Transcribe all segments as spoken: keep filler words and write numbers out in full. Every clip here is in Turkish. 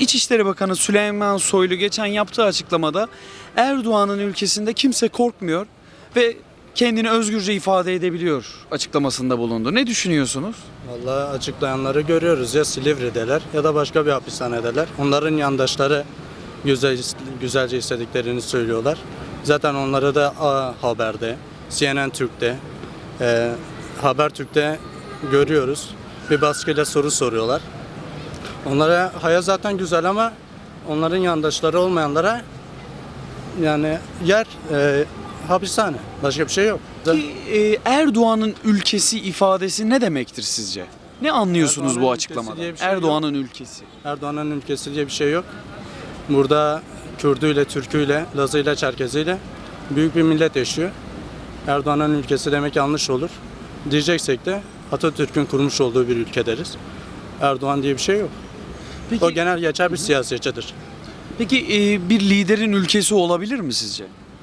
İçişleri Bakanı Süleyman Soylu geçen yaptığı açıklamada Erdoğan'ın ülkesinde kimse korkmuyor ve kendini özgürce ifade edebiliyor açıklamasında bulundu. Ne düşünüyorsunuz? Vallahi açıklayanları görüyoruz, ya Silivri'deler ya da başka bir hapishanedeler. Onların yandaşları güzel, güzelce istediklerini söylüyorlar. Zaten onları da A Haber'de, C N N Türk'te, e, Habertürk'te görüyoruz. Bir baskıyla soru soruyorlar. Onlara hayat zaten güzel ama onların yandaşları olmayanlara yani yer e, hapishane. Başka bir şey yok. Ki, e, Erdoğan'ın ülkesi ifadesi ne demektir sizce? Ne anlıyorsunuz Erdoğan'ın bu ülkesi açıklamadan? diye bir şey yok. Erdoğan'ın ülkesi. Erdoğan'ın ülkesi diye bir şey yok. Burada Kürdüyle, Türküyle, Lazıyla, Çerkeziyle büyük bir millet yaşıyor. Erdoğan'ın ülkesi demek yanlış olur. Diyeceksek de Atatürk'ün kurmuş olduğu bir ülke deriz. Erdoğan diye bir şey yok. Peki, O genel geçer bir siyasetçidir. peki e, bir liderin ülkesi olabilir mi sizce?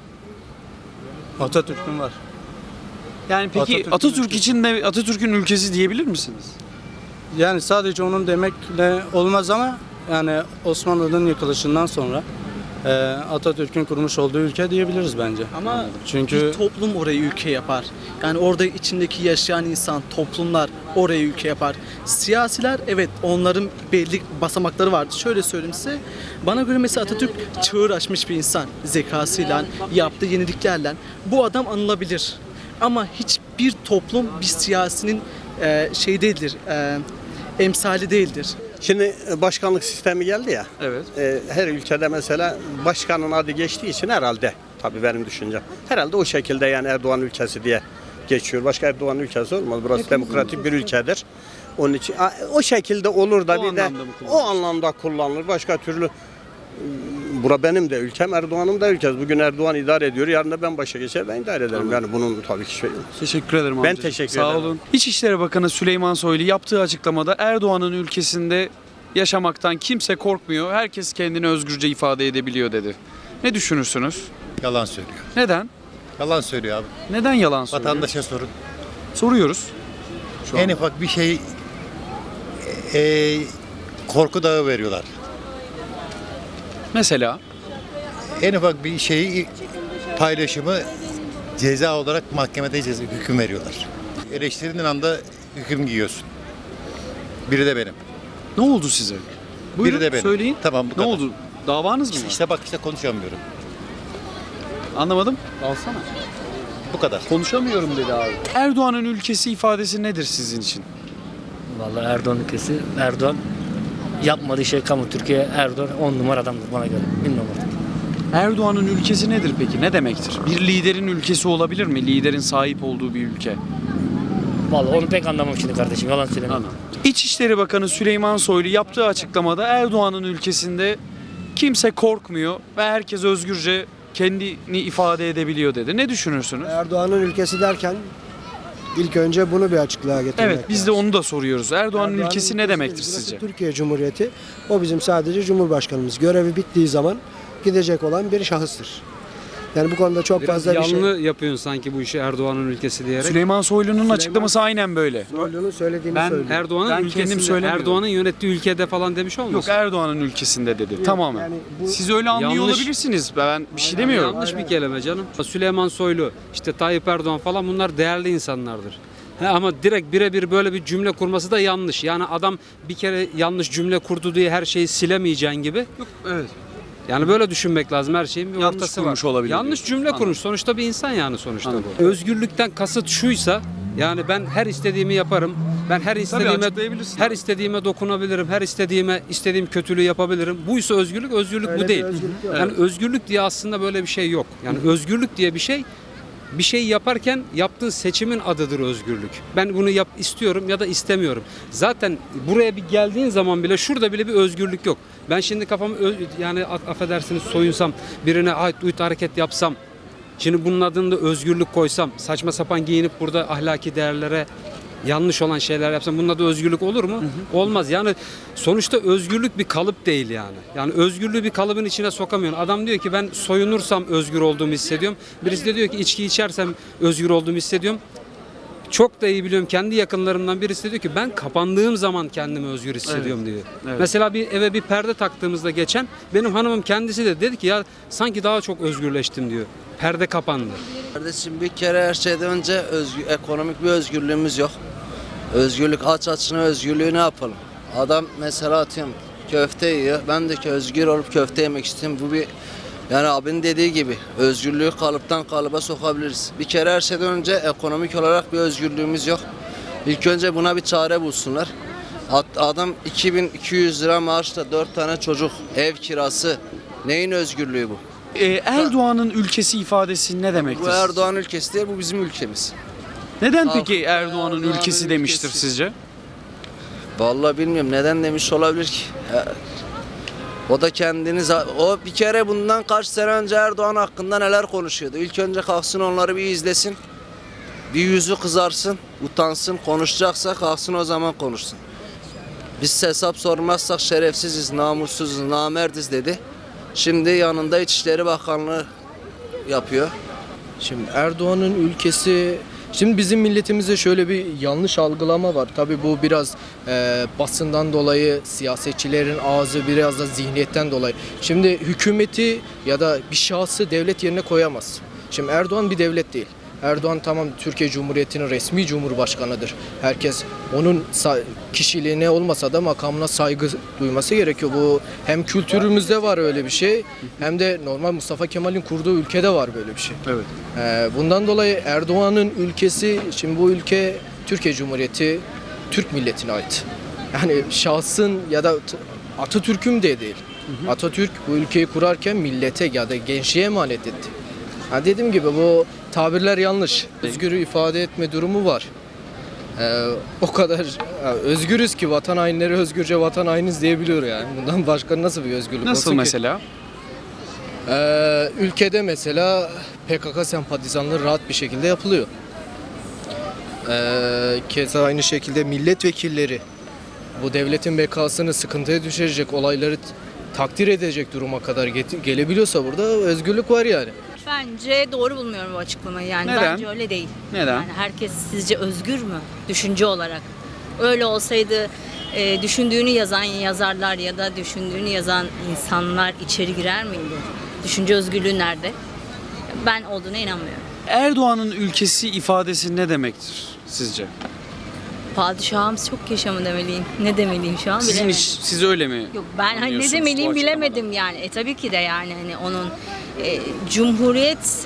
Atatürk'ün var. Yani peki Atatürk'ün Atatürk ülkesi. için de Atatürk'ün ülkesi diyebilir misiniz? Yani sadece onun demekle olmaz ama yani Osmanlı'nın yıkılışından sonra e, Atatürk'ün kurmuş olduğu ülke diyebiliriz bence. Ama Çünkü bir toplum orayı ülke yapar. Yani orada içindeki yaşayan insan, toplumlar orayı ülke yapar. Siyasiler evet onların belli basamakları vardı. Şöyle söyleyeyim size. Bana göre mesela Atatürk çığır açmış bir insan. Zekasıyla, yaptığı yeniliklerle. Bu adam anılabilir. Ama hiçbir toplum bir siyasinin e, şey değildir. E, emsali değildir. Şimdi başkanlık sistemi geldi ya. Evet. e, Her ülkede mesela başkanın adı geçtiği için herhalde, tabii benim düşüncem, herhalde o şekilde yani Erdoğan ülkesi diye geçiyor. Başka Erdoğan ülkesi olmaz. Burası demokratik bir ülkedir. Onun için a, o şekilde olur da O bir de anlamda mı o kullanılır? anlamda kullanılır. Başka türlü bura benim de ülkem, Erdoğan'ın da ülkesi. Bugün Erdoğan idare ediyor, yarın da ben başa geçer, ben idare ederim. Yani bunun tabii ki şey yok. Teşekkür ederim Ben amcacığım. teşekkür Sağ ederim. olun. İçişleri Bakanı Süleyman Soylu yaptığı açıklamada Erdoğan'ın ülkesinde yaşamaktan kimse korkmuyor. Herkes kendini özgürce ifade edebiliyor dedi. Ne düşünürsünüz? Yalan söylüyor. Neden? Yalan söylüyor abi. Neden yalan söylüyor? Vatandaşa sorun. Soruyoruz. Şu En an. ufak bir şey e, korku dağı veriyorlar. Mesela En ufak bir şeyi paylaşımı ceza olarak mahkemede ceza hüküm veriyorlar. Eleştirdiğin anda hüküm giyiyorsun. Biri de benim. ne oldu size? Buyurun, Biri de benim. söyleyin. Tamam, bu Ne kadar. oldu? Davanız mı var? İşte bak işte konuşamıyorum. Anlamadım. Alsana. Bu kadar. Konuşamıyorum dedi abi. Erdoğan'ın ülkesi ifadesi nedir sizin için? Vallahi Erdoğan ülkesi, Erdoğan yapmadığı şey kamu. Türkiye Erdoğan on numara adamdır bana göre. Bilmiyorum artık. Erdoğan'ın ülkesi nedir peki? Ne demektir? Bir liderin ülkesi olabilir mi? Liderin sahip olduğu bir ülke. Vallahi onu pek anlamam şimdi kardeşim. Yalan söylemiyorum. İçişleri Bakanı Süleyman Soylu yaptığı açıklamada Erdoğan'ın ülkesinde kimse korkmuyor ve herkes özgürce kendini ifade edebiliyor dedi. Ne düşünürsünüz? Erdoğan'ın ülkesi derken ilk önce bunu bir açıklığa getirmek Evet, biz de lazım. onu da soruyoruz. Erdoğan'ın Erdoğan'ın ülkesi ne ülkesi demektir değil, burası sizce? Türkiye Cumhuriyeti. O bizim sadece Cumhurbaşkanımız. Görevi bittiği zaman gidecek olan bir şahıstır. Yani bu konuda çok Biraz fazla bir şey. yanlı yapıyorsun sanki bu işi Erdoğan'ın ülkesi diyerek. Süleyman Soylu'nun açıklaması aynen böyle. Soylu'nun söylediğini Ben söylüyor. Erdoğan'ın Ben kendim ülkesinde, söylemiyorum. Erdoğan'ın yönettiği ülkede falan demiş Yok, olmasın? Erdoğan'ın ülkesinde dedi. Tamamen. yani bu- Siz öyle anlıyor Yanlış. olabilirsiniz. Ben bir şey demiyorum. Yanlış bir kelime canım. Süleyman Soylu, işte Tayyip Erdoğan falan bunlar değerli insanlardır. He, ama direkt birebir böyle bir cümle kurması da yanlış. Yani adam bir kere yanlış cümle kurdu diye her şeyi silemeyeceğin gibi. Evet. Yani böyle düşünmek lazım, her şeyin bir Yanlış ortası kurmuş var. olabilir Yanlış diyorsun. cümle Anladım. kurmuş. Sonuçta bir insan yani sonuçta Anladım. bu. Özgürlükten kasıt şuysa yani ben her istediğimi yaparım. Ben her istediğime açıklayabilirsin her abi. istediğime dokunabilirim. Her istediğime istediğim kötülüğü yapabilirim. Buysa özgürlük, özgürlük Öyle bu bir değil. özgürlük yok. Yani özgürlük diye aslında böyle bir şey yok. Yani özgürlük diye bir şey bir şey yaparken yaptığın seçimin adıdır özgürlük. Ben bunu yap istiyorum ya da istemiyorum. Zaten buraya bir geldiğin zaman bile şurada bile bir özgürlük yok. Ben şimdi kafamı ö- yani a- affedersiniz soyunsam, birine ait uyut hareket yapsam, şimdi bunun adını da özgürlük koysam, saçma sapan giyinip burada ahlaki değerlere yanlış olan şeyler yapsam bunun adı özgürlük olur mu? Olmaz. Yani sonuçta özgürlük bir kalıp değil yani. Yani özgürlüğü bir kalıbın içine sokamıyorsun. Adam diyor ki ben soyunursam özgür olduğumu hissediyorum. Birisi de diyor ki içki içersem özgür olduğumu hissediyorum. Çok da iyi biliyorum, kendi yakınlarımdan birisi diyor ki ben kapandığım zaman kendimi özgür hissediyorum diyor. Evet. Mesela bir eve bir perde taktığımızda geçen benim hanımım kendisi de dedi ki ya sanki daha çok özgürleştim diyor. Perde kapandı. Kardeşim bir kere her şeyden önce özgür, ekonomik bir özgürlüğümüz yok. Özgürlük aç açına özgürlüğü ne yapalım? Adam mesela atıyorum köfte yiyor. Ben de ki özgür olup köfte yemek istiyorum. Bu bir yani abinin dediği gibi özgürlüğü kalıptan kalıba sokabiliriz. Bir kere her şeyden önce ekonomik olarak bir özgürlüğümüz yok. İlk önce buna bir çare bulsunlar. Adam iki bin iki yüz lira maaşla dört tane çocuk, ev kirası. Neyin özgürlüğü bu? Ee, Erdoğan'ın ülkesi ifadesi ne demektir? Bu Erdoğan ülkesi değil, bu bizim ülkemiz. Neden Ah, peki Erdoğan'ın Erdoğan'ın ülkesi demiştir ülkesi. sizce? Vallahi bilmiyorum neden demiş olabilir ki. Ya, o da kendini za- o bir kere bundan kaç sene önce Erdoğan hakkında neler konuşuyordu. İlk önce kalksın onları bir izlesin. Bir yüzü kızarsın, utansın, konuşacaksa kalksın o zaman konuşsun. Biz hesap sormazsak şerefsiziz, namussuzuz, namerdiz dedi. Şimdi yanında İçişleri Bakanlığı yapıyor. Şimdi Erdoğan'ın ülkesi, şimdi bizim milletimizde şöyle bir yanlış algılama var. Tabii bu biraz e, basından dolayı, siyasetçilerin ağzı biraz da zihniyetten dolayı. Şimdi hükümeti ya da bir şahsı devlet yerine koyamaz. Şimdi Erdoğan bir devlet değil. Erdoğan tamam Türkiye Cumhuriyeti'nin resmi cumhurbaşkanıdır. Herkes onun sa- kişiliğine olmasa da makamına saygı duyması gerekiyor. Bu hem kültürümüzde var öyle bir şey hem de normal Mustafa Kemal'in kurduğu ülkede var böyle bir şey. Evet. Ee, bundan dolayı Erdoğan'ın ülkesi, şimdi bu ülke Türkiye Cumhuriyeti Türk milletine ait. Yani şahsın ya da t- Atatürk'üm de değil. Atatürk bu ülkeyi kurarken millete ya da gençliğe emanet etti. Ha dediğim gibi bu tabirler yanlış. Özgür ifade etme durumu var. Ee, o kadar ha, özgürüz ki vatan hainleri özgürce vatan hainiz diyebiliyor yani. Bundan başka nasıl bir özgürlük Nasıl olsun ki? mesela? Ee, ülkede mesela P K K sempatizanlığı rahat bir şekilde yapılıyor. Ee, keza aynı şekilde milletvekilleri bu devletin bekasını sıkıntıya düşürecek olayları t- takdir edecek duruma kadar get- gelebiliyorsa burada özgürlük var yani. Bence doğru bulmuyorum bu açıklamayı yani. Neden? Bence öyle değil. Neden? Yani herkes sizce özgür mü düşünce olarak? Öyle olsaydı e, düşündüğünü yazan yazarlar ya da düşündüğünü yazan insanlar içeri girer miydi? Düşünce özgürlüğü nerede? Ben olduğuna inanmıyorum. Erdoğan'ın ülkesi ifadesi ne demektir sizce? Padişahımız çok yaşa mı demeliyim? Ne demeliyim şu an Sizin bilemedim. iş, siz öyle mi? Yok ben hani ne anlıyorsunuz bu demeliyim açıklamadan? bilemedim yani. E tabii ki de yani hani onun e, cumhuriyet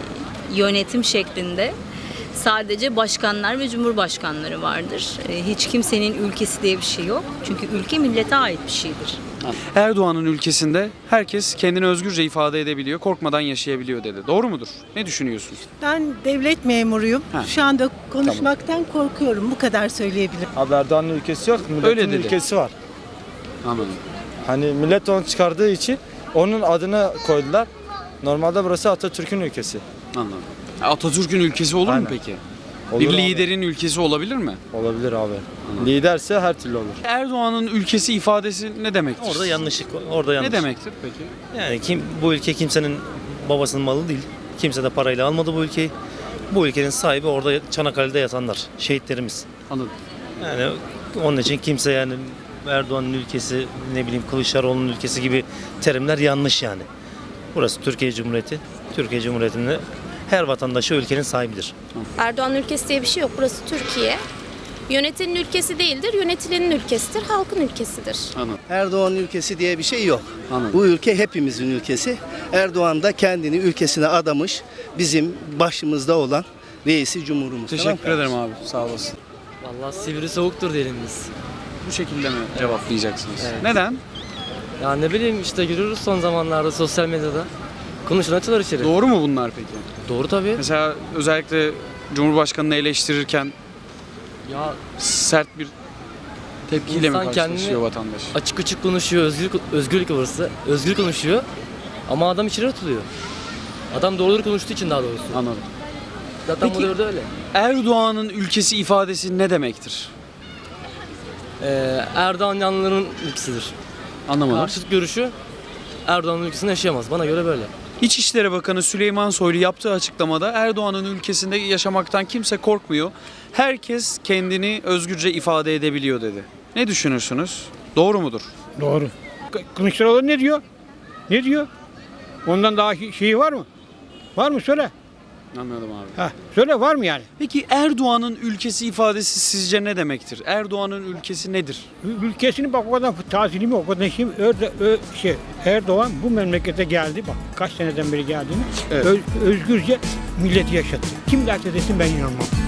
e, yönetim şeklinde sadece başkanlar ve cumhurbaşkanları vardır. E, hiç kimsenin ülkesi diye bir şey yok. Çünkü ülke millete ait bir şeydir. Erdoğan'ın ülkesinde herkes kendini özgürce ifade edebiliyor, korkmadan yaşayabiliyor dedi. Doğru mudur? Ne düşünüyorsunuz? Ben devlet memuruyum. Ha. Şu anda konuşmaktan korkuyorum. Bu kadar söyleyebilirim. Abi Erdoğan'ın ülkesi yok, milletin Öyle dedi. ülkesi var. Anladım. Hani millet onu çıkardığı için onun adını koydular. Normalde burası Atatürk'ün ülkesi. Anladım. Atatürk'ün ülkesi olur mu Aynen. peki? Olur Bir abi. liderin ülkesi olabilir mi? Olabilir abi. Liderse her türlü olur. Erdoğan'ın ülkesi ifadesi ne demektir? Orada yanlışlık, orada yanlış. Ne demektir peki? Yani kim bu ülke kimsenin babasının malı değil. Kimse de parayla almadı bu ülkeyi. Bu ülkenin sahibi orada Çanakkale'de yatanlar, şehitlerimiz. Anladım. Yani onun için kimse yani Erdoğan'ın ülkesi, ne bileyim Kılıçdaroğlu'nun ülkesi gibi terimler yanlış yani. Burası Türkiye Cumhuriyeti. Türkiye Cumhuriyeti'nde her vatandaşı ülkenin sahibidir. Erdoğan ülkesi diye bir şey yok. Burası Türkiye. Yönetilenin ülkesi değildir, yönetilenin ülkesidir, halkın ülkesidir. Anladım. Erdoğan ülkesi diye bir şey yok. Anladım. Bu ülke hepimizin ülkesi. Erdoğan da kendini ülkesine adamış, bizim başımızda olan reisi cumhurumuz. Teşekkür Tamam mı? ederim abi. Sağ olasın. Vallahi sivri soğuktur diyelim biz. Bu şekilde mi cevaplayacaksınız? Neden? Ya ne bileyim işte görüyoruz son zamanlarda sosyal medyada. Konuşulan içeri. Doğru mu bunlar peki? Doğru tabii. Mesela özellikle Cumhurbaşkanı'nı eleştirirken Ya sert bir tepkiyle mi İnsan karşılaşıyor kendini- vatandaş? açık açık konuşuyor, özgürlük, özgürlük orası. Özgür konuşuyor ama adam içeri atılıyor. Adam doğruları konuştuğu için daha doğrusu. Anladım. Zaten Peki- bu da öyle. Erdoğan'ın ülkesi ifadesi ne demektir? Ee, Erdoğan yanlıların ülkesidir. Anlamadım. Karşıt görüşü Erdoğan'ın ülkesinde yaşayamaz. Bana göre böyle. İçişleri Bakanı Süleyman Soylu yaptığı açıklamada Erdoğan'ın ülkesinde yaşamaktan kimse korkmuyor. Herkes kendini özgürce ifade edebiliyor dedi. Ne düşünürsünüz? Doğru mudur? Doğru. Kılıçdaroğlu ne diyor? Ne diyor? Ondan daha şeyi var mı? Var mı söyle. Anladım abi. Ha, söyle var mı yani? Peki Erdoğan'ın ülkesi ifadesi sizce ne demektir? Erdoğan'ın ülkesi nedir? Ül- Ülkesini bak o kadar tazilimi o kadar şey, Erdo- Ö- şey Erdoğan bu memlekete geldi bak kaç seneden beri geldiğini Evet. öz- özgürce milleti yaşattı. Kim derse desin ben inanmam.